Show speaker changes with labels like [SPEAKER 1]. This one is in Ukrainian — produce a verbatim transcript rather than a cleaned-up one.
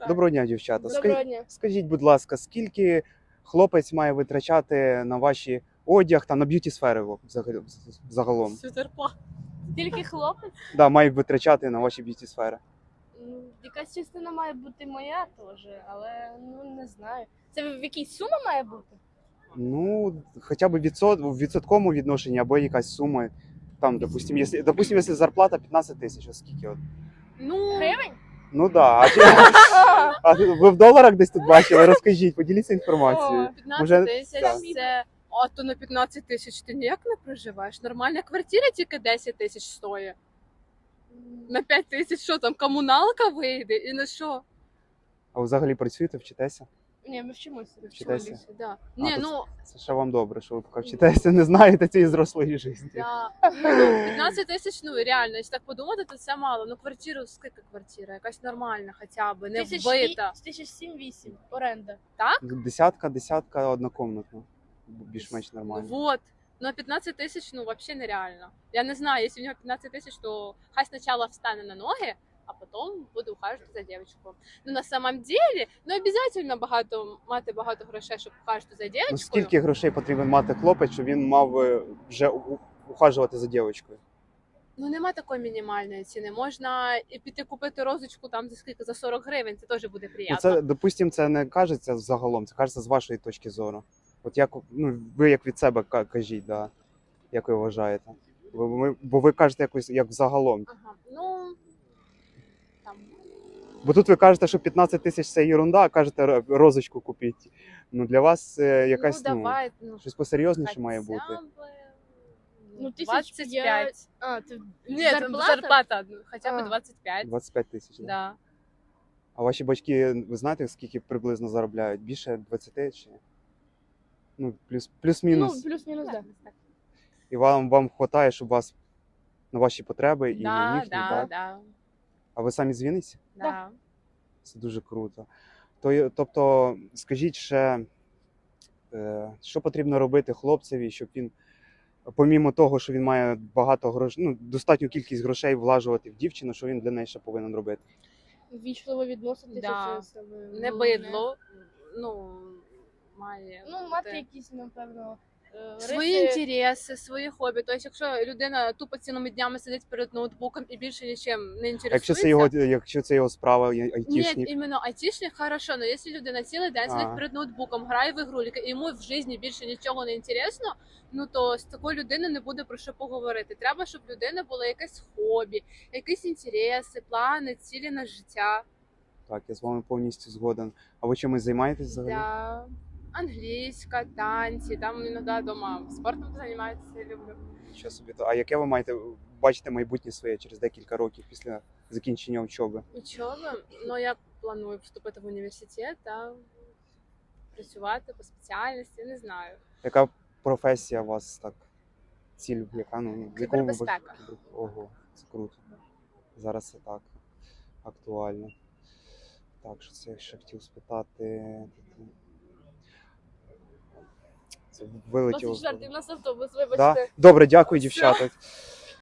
[SPEAKER 1] Доброго дня, дівчата.
[SPEAKER 2] Доброго
[SPEAKER 1] Ска-
[SPEAKER 2] дня.
[SPEAKER 1] Скажіть, будь ласка, скільки хлопець має витрачати на ваші одяг та на б'юті сфери взагалі- загалом?
[SPEAKER 3] Сутерпа.
[SPEAKER 2] Тільки хлопець?
[SPEAKER 1] Да, має витрачати на ваші б'юті сфери.
[SPEAKER 2] Ну, якась частина має бути моя теж, але ну не знаю. Це в якійсь сума має бути?
[SPEAKER 1] Ну, хоча б відсот, в відсотковому відношенні або якась сума. Там, допустим, якщо, допустим, якщо зарплата п'ятнадцять тисяч, а скільки от?
[SPEAKER 3] Ну,
[SPEAKER 2] Гривень?
[SPEAKER 1] Ну да. А, чи- а ви в доларах десь тут бачили? Розкажіть, поділіться інформацією.
[SPEAKER 3] п'ятнадцять
[SPEAKER 1] Може,
[SPEAKER 3] тисяч
[SPEAKER 1] так.
[SPEAKER 3] це. А то на п'ятнадцять тисяч ти ніяк не проживаєш. Нормальна квартира тільки десять тисяч стоїть. На п'ять тисяч що там, комуналка вийде і на що?
[SPEAKER 1] А ви взагалі працюєте, вчитеся?
[SPEAKER 2] Ні, ми вчимося.
[SPEAKER 1] Вчитеся?
[SPEAKER 3] Да.
[SPEAKER 1] А,
[SPEAKER 3] Ні,
[SPEAKER 1] то
[SPEAKER 3] ну,
[SPEAKER 1] Це ще вам добре, що ви поки вчитеся, не знаєте цієї зрослої житті.
[SPEAKER 3] да. Ну, п'ятнадцять тисяч, ну реально, якщо так подумати, то це мало. Ну квартиру, скільки квартира? Якась нормальна хоча б, не вбита.
[SPEAKER 2] Тисяч сім-вісім оренда.
[SPEAKER 1] Десятка, десятка однокомнатна. Більш-менш нормально.
[SPEAKER 3] Вот. Ну, п'ятнадцять тисяч, ну, вообще нереально. Я не знаю, якщо у нього п'ятнадцять тисяч, то хай спочатку встане на ноги, а потім буде ухажувати за дівчинкою. Ну, на самом деле, ну, обов'язково багато, мати багато грошей, щоб ухажувати за дівчинкою.
[SPEAKER 1] Ну, скільки грошей потрібен мати хлопець, щоб він мав е, вже у- ухажувати за дівчинкою?
[SPEAKER 3] Ну, нема такої мінімальної ціни. Можна і піти купити розочку там за скільки, за сорок гривень, це теж буде
[SPEAKER 1] Ну,
[SPEAKER 3] приємно.
[SPEAKER 1] це, допустим, це не кажеться загалом, це кажеться з вашої точки зору. От як, ну, ви як від себе ка- кажіть, да, як ви вважаєте? Бо ви, бо ви кажете якось як загалом.
[SPEAKER 3] Ага, ну, там,
[SPEAKER 1] Бо тут ви кажете, що п'ятнадцять тисяч це ерунда, а кажете р- розочку купіть. Ну для вас це якась,
[SPEAKER 3] ну,
[SPEAKER 1] ну,
[SPEAKER 3] давай, ну,
[SPEAKER 1] щось посерйозніше має
[SPEAKER 3] хоча
[SPEAKER 1] бути.
[SPEAKER 3] б,
[SPEAKER 2] Ну, тисяч
[SPEAKER 3] двадцять п'ять.
[SPEAKER 2] А, це
[SPEAKER 3] Ні, зарплата, зарплата ну, хоча б
[SPEAKER 2] А.
[SPEAKER 3] двадцять п'ять.
[SPEAKER 1] двадцять п'ять тисяч. Да.
[SPEAKER 3] Да.
[SPEAKER 1] А ваші батьки, ви знаєте, скільки приблизно заробляють? Більше двадцяти чи? Ну, плюс, плюс-мінус.
[SPEAKER 2] Ну, плюс-мінус, так. Да.
[SPEAKER 1] І вам, вам вистачає, щоб вас на ваші потреби і на
[SPEAKER 3] Да,
[SPEAKER 1] їхні,
[SPEAKER 3] да,
[SPEAKER 1] так?
[SPEAKER 3] да,
[SPEAKER 1] А ви самі з Вінниці?
[SPEAKER 3] да.
[SPEAKER 1] Це дуже круто. То, тобто, скажіть ще, е, що потрібно робити хлопцеві, щоб він, помімо того, що він має багато грошей, ну, достатню кількість грошей влажувати в дівчину, що він для неї ще повинен робити?
[SPEAKER 2] Вічливо відноситися.
[SPEAKER 3] Да.
[SPEAKER 2] Це саме
[SPEAKER 3] Не
[SPEAKER 2] головне.
[SPEAKER 3] бидло, ну, має
[SPEAKER 2] Ну, мати
[SPEAKER 3] бути
[SPEAKER 2] якісь, напевно, е,
[SPEAKER 3] свої
[SPEAKER 2] риси.
[SPEAKER 3] інтереси, свої хобі. Тобто, якщо людина тупо цілими днями сидить перед ноутбуком і більше нічим не
[SPEAKER 1] А
[SPEAKER 3] інтересується,
[SPEAKER 1] якщо це його, якщо це його справа, я-
[SPEAKER 3] Ні,
[SPEAKER 1] айтішник?
[SPEAKER 3] іменно айтішник хорошо, але якщо людина цілий день
[SPEAKER 1] А.
[SPEAKER 3] сидить перед ноутбуком, грає в ігрульки, і йому в житті більше нічого не інтересно, ну то з такою людиною не буде про що поговорити. Треба, щоб в людини було якесь хобі, якісь інтереси, плани, цілі на життя.
[SPEAKER 1] Так, я з вами повністю згоден. А ви чимось займаєтесь взагалі?
[SPEAKER 3] Да. Англійська, танці, там іноді вдома спортом займатися люблю.
[SPEAKER 1] Що собі то. А яке ви маєте бачите майбутнє своє через декілька років після закінчення учоби?
[SPEAKER 3] Учоба, ну я планую вступити в університет та працювати по спеціальності, не знаю.
[SPEAKER 1] Яка професія у вас так? Ціль, яка ну в якому ви
[SPEAKER 3] Кібербезпека.
[SPEAKER 1] бачите? Ого, це круто. Зараз це так актуально. Так, що це я ще хотів спитати. Це вилетіло. з
[SPEAKER 2] двадцять четвертий,
[SPEAKER 1] голови.
[SPEAKER 2] у нас автобус,
[SPEAKER 1] Да?
[SPEAKER 2] вибачте.
[SPEAKER 1] Добре, дякую,
[SPEAKER 3] Все.
[SPEAKER 1] дівчата.